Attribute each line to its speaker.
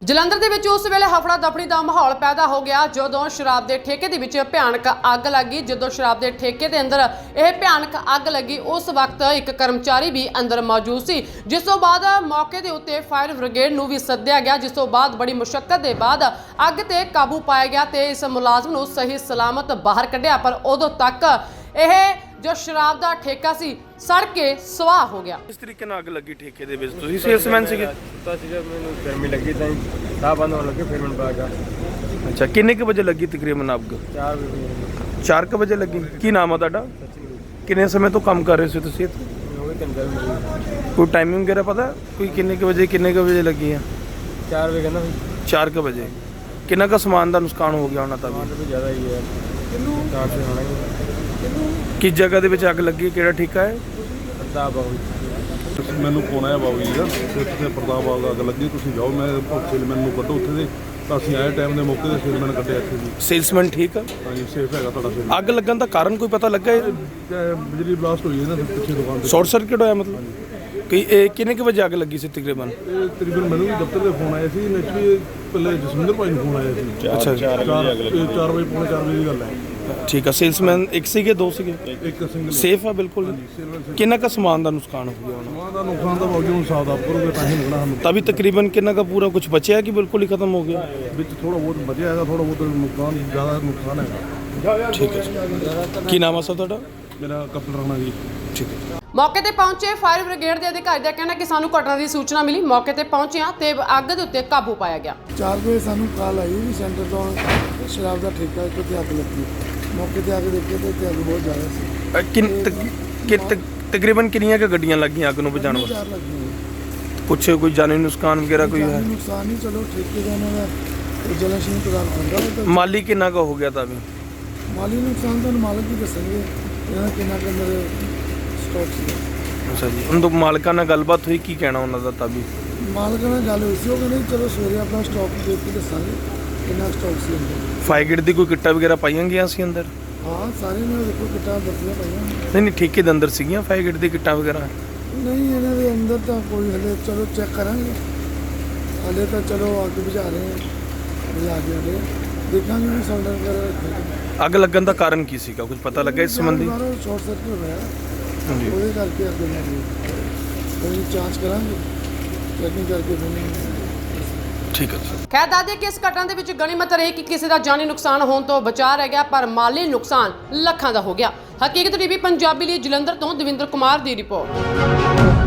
Speaker 1: ਜਲੰਧਰ ਦੇ ਵਿੱਚ ਉਸ ਵੇਲੇ ਹਫੜਾ ਦਫੜੀ ਦਾ ਮਾਹੌਲ ਪੈਦਾ ਹੋ ਗਿਆ ਜਦੋਂ ਸ਼ਰਾਬ ਦੇ ਠੇਕੇ ਦੇ ਵਿੱਚ ਭਿਆਨਕ ਅੱਗ ਲੱਗੀ। ਜਦੋਂ ਸ਼ਰਾਬ ਦੇ ਠੇਕੇ ਦੇ ਅੰਦਰ ਇਹ ਭਿਆਨਕ ਅੱਗ ਲੱਗੀ ਉਸ ਵਕਤ ਇੱਕ ਕਰਮਚਾਰੀ ਵੀ ਅੰਦਰ ਮੌਜੂਦ ਸੀ, ਜਿਸ ਤੋਂ ਬਾਅਦ ਮੌਕੇ ਦੇ ਉੱਤੇ ਫਾਇਰ ਬ੍ਰਿਗੇਡ ਨੂੰ ਵੀ ਸੱਦਿਆ ਗਿਆ, ਜਿਸ ਤੋਂ ਬਾਅਦ ਬੜੀ ਮੁਸ਼ੱਕਤ ਦੇ ਬਾਅਦ ਅੱਗ ਤੇ ਕਾਬੂ ਪਾਇਆ ਗਿਆ ਤੇ ਇਸ ਮੁਲਾਜ਼ਮ ਨੂੰ ਸਹੀ ਸਲਾਮਤ ਬਾਹਰ ਕੱਢਿਆ। ਪਰ ਉਦੋਂ ਤੱਕ ਇਹ जो शराब का ठेका सी सड़ के सुआह हो गया।
Speaker 2: इस तरीके नाल अग लगी ठेके दे विच तुसीं सेल्समैन सीगे?
Speaker 3: पता सीगा मैनूं गर्मी लगी तां साह बंद होने लगे फिर मैनूं पता लगा।
Speaker 2: अच्छा, किन्ने क बजे लगी तकरीबन अग? 4 बजे लगी। की नाम है तुहाडा? किन्ने समय तो काम कर रहे सी तुसीं इत्थे? कोई टाइमिंग वगैरह पता कोई किन्ने क बजे लगी है?
Speaker 3: 4 बजे कहना
Speaker 2: 4 क बजे। किन्ना का समान का नुकसान हो गया होना?
Speaker 3: सामान तो ज़्यादा ही है, 4 से होना ही है।
Speaker 2: किस जगह दे विच अग लगी? किहड़ा ठेका है?
Speaker 3: प्रताप बाबू
Speaker 4: ਮੈਨੂੰ ਫੋਨ ਆਇਆ ਬਾਬੂ ਜੀ ਦਾ ਤੇ ਉੱਥੇ ਪ੍ਰਤਾਪ ਬਾਗ ਅੱਗ ਲੱਗੀ, ਤੁਸੀਂ ਜਾਓ ਮੈਂ ਸੇਲਮੈਨ ਨੂੰ ਕੱਢੋ ਉੱਥੇ ਦੇ। ਤਾਂ ਅਸੀਂ ਆਏ ਟਾਈਮ ਦੇ ਮੌਕੇ ਤੇ ਸੇਲਮੈਨ ਕੱਢਿਆ ਇੱਥੇ ਜੀ।
Speaker 2: सेल्समैन ठीक है?
Speaker 4: ਹਾਂਜੀ ਸੇਫ ਹੈਗਾ ਤੁਹਾਡਾ ਸੇਲਮੈਨ।
Speaker 2: ਅੱਗ ਲੱਗਣ ਦਾ ਕਾਰਨ ਕੋਈ ਪਤਾ ਲੱਗਾ?
Speaker 4: ਬਿਜਲੀ ਬਲਾਸਟ ਹੋਈ ਹੈ ਨਾ ਪਿੱਛੇ ਦੁਕਾਨ ਤੇ।
Speaker 2: ਸ਼ਾਰਟ ਸਰਕਟ ਹੋਇਆ ਮਤਲਬ? ਕਿ ਇਹ ਕਿੰਨੇ ਕੁ ਵਜੇ ਅੱਗ ਲੱਗੀ ਸੀ ਤਕਰੀਬਨ?
Speaker 4: ਇਹ ਤਕਰੀਬਨ ਮੈਨੂੰ ਵੀ ਦਫ਼ਤਰ ਦੇ ਫੋਨ ਆਏ ਸੀ, ਨੈਚੁਰਲੀ ਪਹਿਲੇ ਜਸਵਿੰਦਰ ਭਾਈ ਨੂੰ ਫੋਨ ਆਇਆ ਸੀ।
Speaker 2: ਅੱਛਾ
Speaker 4: 4 ਵਜੇ ਪੌਣੇ 4 ਵਜੇ ਦੀ ਗੱਲ ਹੈ।
Speaker 2: ਠੀਕ ਹੈ। ਸੇਲਸਮੈਨ ਇੱਕ ਸੀਗੇ ਦੋ ਸੀਗੇ?
Speaker 4: ਇੱਕ ਸਿੰਗਲ
Speaker 2: ਸੇਫ ਆ ਬਿਲਕੁਲ? ਕਿੰਨਾ ਕੁ ਸਮਾਨ ਦਾ ਨੁਕਸਾਨ ਹੋ ਗਿਆ ਹੋਣਾ?
Speaker 4: ਸਮਾਨ ਦਾ ਨੁਕਸਾਨ ਤਾਂ ਬਾਬੂ ਜੀ ਹੁਣ ਹਿਸਾਬ ਦਾ ਕਰੋਗੇ ਤਾਂ ਹੀ ਮਿਲਣਾ ਸਾਨੂੰ।
Speaker 2: ਤभी ਤਕਰੀਬਨ ਕਿੰਨਾ ਕੁ ਪੂਰਾ ਕੁਝ ਬਚਿਆ ਕਿ ਬਿਲਕੁਲ ਹੀ ਖਤਮ ਹੋ ਗਿਆ?
Speaker 4: ਵਿੱਚ ਥੋੜਾ ਬਹੁਤ ਬਚਿਆ ਹੈਗਾ, ਥੋੜਾ ਬਹੁਤ ਨੁਕਸਾਨ, ਜ਼ਿਆਦਾ ਨੁਕਸਾਨ ਹੈਗਾ।
Speaker 2: ਠੀਕ ਹੈ। ਕੀ ਨਾਮ ਆ ਸਰ ਤੁਹਾਡਾ?
Speaker 4: ਮੇਰਾ ਕਪਲ ਰਾਣਾ ਜੀ।
Speaker 2: ਠੀਕ ਹੈ।
Speaker 1: मौके ते पहुंचे फायर ब्रिगेड के अधिकारी का कहना कि सानू घटना की सूचना मिली, मौके ते पहुंचे ते अग दे उत्ते काबू पाया गया।
Speaker 5: 4 बजे सानू कॉल आई भी सेंटर तो शराब का ठेका कितने अग लगी। मौके ते आके देखे तो अग बहुत ज़्यादा सी।
Speaker 2: तकरीबन किन्नियां क गड्डियां लग गई अग नूं बुझाउण वास्ते?
Speaker 5: 4 लगी।
Speaker 2: कुछ कोई जानी नुकसान वगैरह कोई है?
Speaker 5: नुकसान नहीं, चलो ठेके देने का जलाशय प्रदान कर रहा।
Speaker 2: माली किन्ना का हो गया था? अभी
Speaker 5: माली नुकसान तो मालिक ही दसेंगे कितना के अंदर स्टॉक सी।
Speaker 2: अच्छा जी, उन तो मालिकां नाल गलबात हुई, की कहना उन्हां दा? तभी
Speaker 5: मालिक नाल गल हुई सी, वो कहंदे चलो सवेरे अपना स्टॉक देख के दसांगे कितना स्टॉक सी अंदर।
Speaker 2: फायर ब्रिगेड दी कोई किट्टा वगैरह पाईयां गईयां सी अंदर?
Speaker 5: हाँ सारे ने देखो किटा दसियां पाईयां।
Speaker 2: नहीं ठेके दे अंदर सीगियां फायर ब्रिगेड दी किट्टा वगैरह?
Speaker 5: नहीं इन्हां दे अंदर तो कोई हले चलो चेक करांगे, हले तो चलो अग बुझा रहे हैं, बुझा के हले देखांगे भी सिलेंडर वगैरह।
Speaker 2: ਅੱਗ ਲੱਗਣ ਦਾ ਕਾਰਨ ਕੀ ਸੀਗਾ? ਕੁਝ ਪਤਾ ਲੱਗਾ ਇਸ ਸੰਬੰਧੀ?
Speaker 5: शॉर्ट सर्किट होया
Speaker 2: ਹਾਂਜੀ।
Speaker 5: ਉਹਦੇ ਕਰਕੇ ਅੱਗ ਲੱਗੀ। ਕੋਈ ਜਾਂਚ ਕਰਾਂਗੇ, ਚੈਕਿੰਗ ਕਰਕੇ ਫਿਰ
Speaker 2: ਠੀਕ ਹੈ ਜੀ।
Speaker 1: ਖੈਰ ਦੱਸਦੇ ਕਿ ਇਸ ਘਟਨਾ ਦੇ ਵਿੱਚ ਗਣੀਮਤ ਰਹੀ ਕਿ ਕਿਸੇ ਦਾ ਜਾਨੀ ਨੁਕਸਾਨ ਹੋਣ ਤੋਂ ਬਚਾ ਰਹਿ ਗਿਆ, ਪਰ ਮਾਲੀ ਨੁਕਸਾਨ ਲੱਖਾਂ ਦਾ ਹੋ ਗਿਆ। ਹਕੀਕਤ ਟੀਵੀ ਪੰਜਾਬੀ ਲਈ ਜਲੰਧਰ ਤੋਂ ਦਵਿੰਦਰ ਕੁਮਾਰ ਦੀ ਰਿਪੋਰਟ।